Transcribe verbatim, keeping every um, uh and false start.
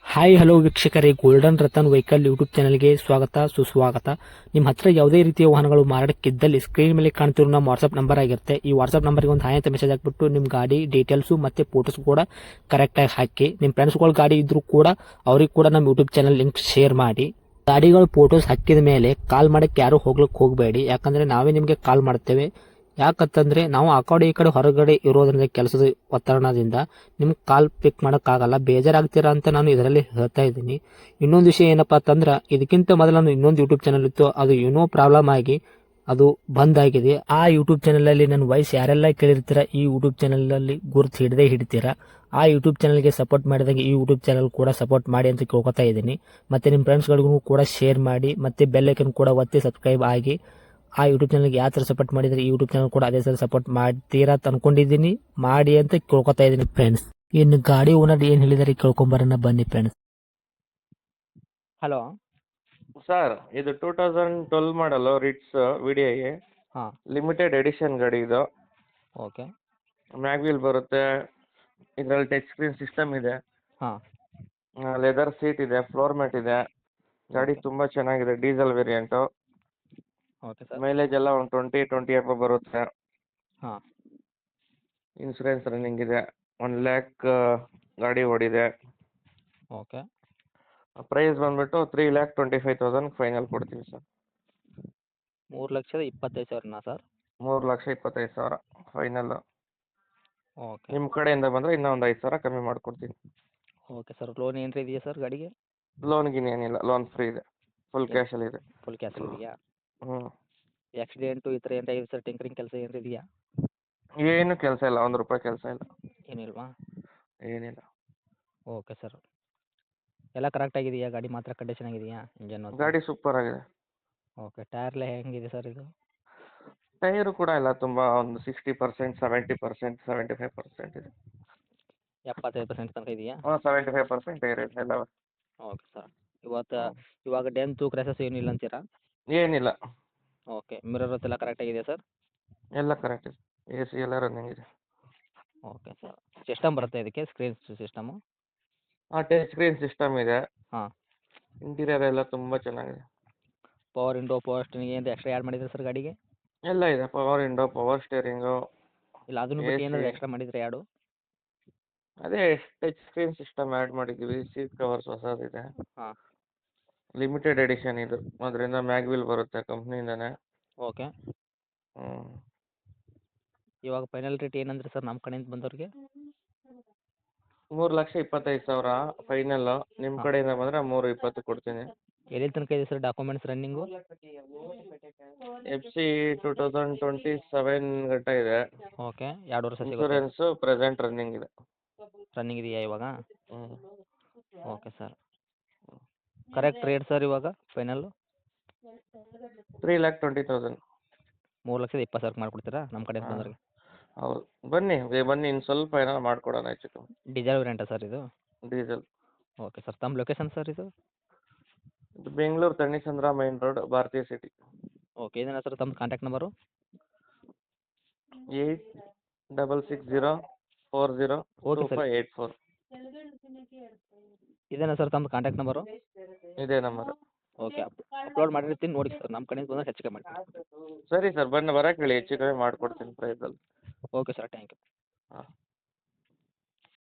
Hi hello ವೀಕ್ಷಕರೇ, golden Ratan vehicle YouTube ಚಾನಲ್ಗೆ ಸ್ವಾಗತ ಸುಸ್ವಾಗತ. ನಿಮ್ಮ ಹತ್ರ ಯಾವುದೇ ರೀತಿಯ ವಾಹನಗಳು ಮಾರಾಟಕ್ಕಿದ್ದಲ್ಲಿ ಸ್ಕ್ರೀನ್ ಮೇಲೆ ಕಾಣ್ತಿರೋ ನಮ್ಮ ವಾಟ್ಸ್ಆಪ್ ನಂಬರ್ ಆಗಿರುತ್ತೆ. ಈ ವಾಟ್ಸ್ಆಪ್ ನಂಬರ್ಗೆ ಒಂದು ಹಾಯ್ ಅಂತ ಮೆಸೇಜ್ ಹಾಕ್ಬಿಟ್ಟು ನಿಮ್ಮ ಗಾಡಿ ಡೀಟೇಲ್ಸು ಮತ್ತೆ ಫೋಟೋಸ್ ಕೂಡ ಕರೆಕ್ಟಾಗಿ ಹಾಕಿ. ನಿಮ್ಮ ಫ್ರೆಂಡ್ಸ್ಗಳ ಗಾಡಿ ಇದ್ರೂ ಕೂಡ ಅವ್ರಿಗೆ ಕೂಡ ನಮ್ಮ ಯೂಟ್ಯೂಬ್ ಚಾನಲ್ ಲಿಂಕ್ ಶೇರ್ ಮಾಡಿ. ಗಾಡಿಗಳು ಫೋಟೋಸ್ ಹಾಕಿದ ಮೇಲೆ ಕಾಲ್ ಮಾಡಕ್ಕೆ ಯಾರು ಹೋಗ್ಲಿಕ್ಕೆ ಹೋಗಬೇಡಿ, ಯಾಕಂದ್ರೆ ನಾವೇ ನಿಮಗೆ ಕಾಲ್ ಮಾಡ್ತೇವೆ. ಯಾಕಂತಂದ್ರೆ ನಾವು ಆ ಕಡೆ ಈ ಕಡೆ ಹೊರಗಡೆ ಇರೋದ್ರಿಂದ ಕೆಲಸದ ಒತ್ತಡದಿಂದ ನಿಮ್ಗೆ ಕಾಲ್ ಪಿಕ್ ಮಾಡೋಕ್ಕಾಗಲ್ಲ, ಬೇಜಾರಾಗ್ತೀರಾ ಅಂತ ನಾನು ಇದರಲ್ಲಿ ಹೇಳ್ತಾ ಇದ್ದೀನಿ. ಇನ್ನೊಂದು ವಿಷಯ ಏನಪ್ಪಾ ಅಂತಂದ್ರೆ, ಇದಕ್ಕಿಂತ ಮೊದಲು ನಾನು ಇನ್ನೊಂದು ಯೂಟ್ಯೂಬ್ ಚಾನಲ್ ಇತ್ತು, ಅದು ಏನೋ ಪ್ರಾಬ್ಲಮ್ ಆಗಿ ಅದು ಬಂದ್ ಆಗಿದೆ. ಆ ಯೂಟ್ಯೂಬ್ ಚಾನಲ್ ಅಲ್ಲಿ ನನ್ನ ವಾಯ್ಸ್ ಯಾರೆಲ್ಲ ಕೇಳಿರ್ತೀರಾ, ಈ ಯೂಟ್ಯೂಬ್ ಚಾನಲ್ ಅಲ್ಲಿ ಗುರುತು ಹಿಡದೆ ಹಿಡಿತೀರಾ. ಆ ಯೂಟ್ಯೂಬ್ ಚಾನಲ್ಗೆ ಸಪೋರ್ಟ್ ಮಾಡಿದಾಗ ಈ ಯೂಟ್ಯೂಬ್ ಚಾನಲ್ ಕೂಡ ಸಪೋರ್ಟ್ ಮಾಡಿ ಅಂತ ಕೇಳ್ಕೊತಾ ಇದ್ದೀನಿ. ಮತ್ತೆ ನಿಮ್ಮ ಫ್ರೆಂಡ್ಸ್ಗಳಿಗೂ ಕೂಡ ಶೇರ್ ಮಾಡಿ, ಮತ್ತೆ ಬೆಲ್ ಐಕನ್ ಕೂಡ ಒತ್ತಿ ಸಬ್ಸ್ಕ್ರೈಬ್ ಆಗಿ. ಆ ಯೂಟ್ಯೂಬ್ ಚಾನಲ್ಗೆ ಯಾವ ಥರ ಸಪೋರ್ಟ್ ಮಾಡಿದರೆ ಈ ಯೂಟ್ಯೂಬ್ ಚಾನಲ್ ಕೂಡ ಅದೇ ಥರ ಸಪೋರ್ಟ್ ಮಾಡ್ತೀರಾ ಅಂತ ಅನ್ಕೊಂಡಿದ್ದೀನಿ. ಮಾಡಿ ಅಂತ ಕೇಳ್ಕೊತಾ ಇದ್ದೀನಿ ಫ್ರೆಂಡ್ಸ್. ಇನ್ನು ಗಾಡಿ ಓನರ್ ಏನು ಹೇಳಿದಾರೆ ಕೇಳ್ಕೊಂಬರೋಣ ಬನ್ನಿ ಫ್ರೆಂಡ್ಸ್. ಹಲೋ ಸರ್, ಇದು two thousand twelve model Ritz V D I ಹಾಂ, ಲಿಮಿಟೆಡ್ ಎಡಿಷನ್ ಗಾಡಿ ಇದು. ಓಕೆ. ಮ್ಯಾಗ್ವೀಲ್ ಬರುತ್ತೆ, ಇದರಲ್ಲಿ ಟಚ್ ಸ್ಕ್ರೀನ್ ಸಿಸ್ಟಮ್ ಇದೆ, ಹಾಂ, ಲೆದರ್ ಸೀಟ್ ಇದೆ, ಫ್ಲೋರ್ ಮ್ಯಾಟ್ ಇದೆ. ಗಾಡಿ ಓಕೆ. ತುಂಬ ಚೆನ್ನಾಗಿದೆ, diesel variant. Okay sir. Mileage ಎಲ್ಲ ಒಂದು ಟ್ವೆಂಟಿ ಟ್ವೆಂಟಿ ಎಫ್ ಬರುತ್ತೆ. ಹಾಂ, ಇನ್ಸೂರೆನ್ಸ್ ರನ್ನಿಂಗ್ ಇದೆ, ಒನ್ ಲ್ಯಾಕ್ ಗಾಡಿ ಓಡಿದೆ. ಓಕೆ. ಪ್ರೈಸ್ ಬಂದ್ಬಿಟ್ಟು three lakh twenty five thousand final ಕೊಡ್ತೀವಿ ಸರ್. ಮೂರು ಲಕ್ಷದ ಇಪ್ಪತ್ತೈದು ಸಾವಿರನಾ ಸರ್? ಮೂರು ಲಕ್ಷ ಇಪ್ಪತ್ತೈದು ಸಾವಿರ ಫೈನಲ್ಲು. ಓಕೆ. ನಿಮ್ಮ ಕಡೆಯಿಂದ ಬಂದರೆ ಇನ್ನೂ ಒಂದು ಐದು ಸಾವಿರ ಕಮ್ಮಿ ಮಾಡಿಕೊಡ್ತೀನಿ. Okay sir. ಲೋನ್ ಏನಾರ ಇದೆಯಾ ಸರ್ ಗಾಡಿಗೆ? ಲೋನ್ ಗಿನ್ ಏನಿಲ್ಲ, ಲೋನ್ ಫ್ರೀ ಇದೆ, ಫುಲ್ ಕ್ಯಾಶಲ್ಲಿ ಇದೆ. ಫುಲ್ ಕ್ಯಾಶಲ್ಲಿ ಇದೆಯಾ? ಹ್ಞೂ ಆಕ್ಸಿಡೆಂಟು ಈ ಥರ ಏನಾರ ಇದೆ ಸರ್? ಟಿಂಕರಿಂಗ್ ಕೆಲಸ ಏನಾರ ಇದೆಯಾ? ಏನು ಕೆಲಸ ಇಲ್ಲ, ಒಂದು ರೂಪಾಯಿ ಕೆಲಸ ಇಲ್ಲ, ಏನಿಲ್ವಾ? ಏನಿಲ್ಲ. Okay sir. ಎಲ್ಲ ಕರೆಕ್ಟಾಗಿದೆಯಾ? ಗಾಡಿ ಮಾತ್ರ ಕಂಡೀಷನ್ ಆಗಿದೆಯಾ? ಇಂಜನ್ ಗಾಡಿ ಸೂಪರ್ ಆಗಿದೆ. ಓಕೆ. ಟೈರ್ ಎಲ್ಲ ಹೆಂಗಿದೆ ಸರ್ ಇದು? ಟೈರು ಕೂಡ ಇಲ್ಲ, ತುಂಬ ಒಂದು sixty percent seventy percent seventy five percent ಇದೆ. ಎಪ್ಪತ್ತೈದು ಪರ್ಸೆಂಟ್ ತನಕ ಇದೆಯಾ? ಹಾಂ, ಸೆವೆಂಟಿ ಫೈವ್ ಪರ್ಸೆಂಟ್ ಟೈರ್ ಇದೆ ಎಲ್ಲ. Okay sir. ಇವತ್ತು ಹ್ಞೂ ಇವಾಗ ಡೆಂತು ಕ್ರ್ಯಾಸಸ್ ಏನಿಲ್ಲ ಅಂತೀರಾ? ಏನಿಲ್ಲ, ಓಕೆ. ಮಿರರ್ ಎಲ್ಲ ಕರೆಕ್ಟಾಗಿದೆ ಸರ್? ಎಲ್ಲ ಕರೆಕ್ಟ್ ಇದೆ, ಎ ಸಿ ಎಲ್ಲ ರನ್ನಿಂಗ್ ಇದೆ. Okay sir. ಸಿಸ್ಟಮ್ ಬರುತ್ತೆ ಇದಕ್ಕೆ, ಸ್ಕ್ರೀನ್ ಸಿಸ್ಟಮು? ಹಾಂ, ಟಚ್ ಸ್ಕ್ರೀನ್ ಸಿಸ್ಟಮ್ ಇದೆ. ಹಾಂ. ಇಂಟೀರಿಯರ್ ಎಲ್ಲ ತುಂಬ ಚೆನ್ನಾಗಿದೆ. ಪವರ್ ವಿಂಡೋ, ಪವರ್ ಸ್ಟೇರಿಂಗ್ ಏನು ಎಕ್ಸ್ಟ್ರಾ ಆ್ಯಡ್ ಮಾಡಿದ್ರೆ ಸರ್ ಗಾಡಿಗೆ? ಎಲ್ಲ ಇದೆ, ಪವರ್ ವಿಂಡೋ, ಪವರ್ ಸ್ಟೇರಿಂಗು, ಇಲ್ಲ ಅದನ್ನು ಎ ಬಿಟ್ಟು ಸಿ. ಏನಾದರೂ ಎಕ್ಸ್ಟ್ರಾ ಮಾಡಿದರೆ ಆ್ಯಡು? ಅದೇ ಟಚ್ ಸ್ಕ್ರೀನ್ ಸಿಸ್ಟಮ್ ಆ್ಯಡ್ ಮಾಡಿದ್ದೀವಿ, ಸೀಟ್ ಕವರ್ಸ್ ಹೊಸದಿದೆ. ಹಾಂ. ಲಿಮಿಟೆಡ್ ಎಡಿಷನ್ ಇದು, ಅದರಿಂದ ಮ್ಯಾಗ್ವಿಲ್ ಬರುತ್ತೆ ಕಂಪ್ನಿಯಿಂದನೇ. ಓಕೆ. ಹ್ಞೂ ಇವಾಗ ಫೈನಲ್ ರೇಟ್ ಏನಂದ್ರೆ ಸರ್ ನಮ್ಮ ಕಡೆಯಿಂದ ಬಂದವ್ರಿಗೆ? ಮೂರು ಲಕ್ಷ ಇಪ್ಪತ್ತೈದು ಸಾವಿರ ಫೈನಲ್ಲು. ನಿಮ್ಮ ಹಾಂ. ಕಡೆಯಿಂದ ಬಂದರೆ ಮೂರು ಇಪ್ಪತ್ತು ಕೊಡ್ತೀನಿ. ಎಲ್ಲಿ ತನಕ ಇದೆ sir documents running? F C two thousand twenty seven ಗಂಟ ಇದೆ. ಓಕೆ. ಎರಡು ವರ್ಷ ಸಿಗುತ್ತೆ. ಇನ್ಸೂರೆನ್ಸು ಪ್ರೆಸೆಂಟ್ ರನ್ನಿಂಗ್ ಇದೆ. ರನ್ನಿಂಗ್ ಇದೆಯಾ ಇವಾಗ? ಹ್ಞೂ okay sir. Correct rate sir ಇವಾಗ final? Three lakh twenty thousand. ಮೂರು ಲಕ್ಷದ ಇಪ್ಪತ್ತು ಸಾವಿರಕ್ಕೆ ಮಾಡಿಕೊಡ್ತೀರಾ ನಮ್ಮ ಕಡೆಯಿಂದ ಹಾಂ, ಬಂದವ್ರಿಗೆ? ಹೌದು. ಬನ್ನಿ ಏ, ಬನ್ನಿ ಇನ್ನು ಸ್ವಲ್ಪ ಏನಾರು ಮಾಡಿಕೊಡೋಣ ಹೆಚ್ಚು ಕಮ್ಮಿ. ಡೀಸೆಲ್ ವೇರಿಯಂಟಾ ಸರ್ ಇದು? ಡೀಸೆಲ್. Okay sir. ತಮ್ಮ ಲೊಕೇಶನ್ ಸರ್ ಇದು? ಇದು Bengaluru Thanisandra main road, Bharatiya city. Okay. ಇದೇನಾ ಸರ್ ತಮ್ಮ contact number? Eight double six zero four zero okay two sir. Five eight four. ಇದೇನಾ ಸರ್ ತಮ್ಮ ಕಾಂಟ್ಯಾಕ್ಟ್ ನಂಬರು? ಇದೇ ನಂಬರ್. ಓಕೆ. ಅಪ್ ಅಪ್ಲೋಡ್ ಮಾಡಿರ್ತೀನಿ ನೋಡಿ ಸರ್, ನಮ್ಮ ಕಡೆಯಿಂದ ಬಂದರೆ ಹೆಚ್ಚು ಕಮ್ಮಿ ಮಾಡಿ. ಸರಿ ಸರ್, ಬನ್ನಿ ಬರೋಕ್ಕೆ ಹೇಳಿ, ಹೆಚ್ಚು ಕಮ್ಮಿ ಮಾಡಿಕೊಡ್ತೀನಿ ಪ್ರೈಸಲ್ಲಿ. Okay sir. Thank you. ಹಾಂ.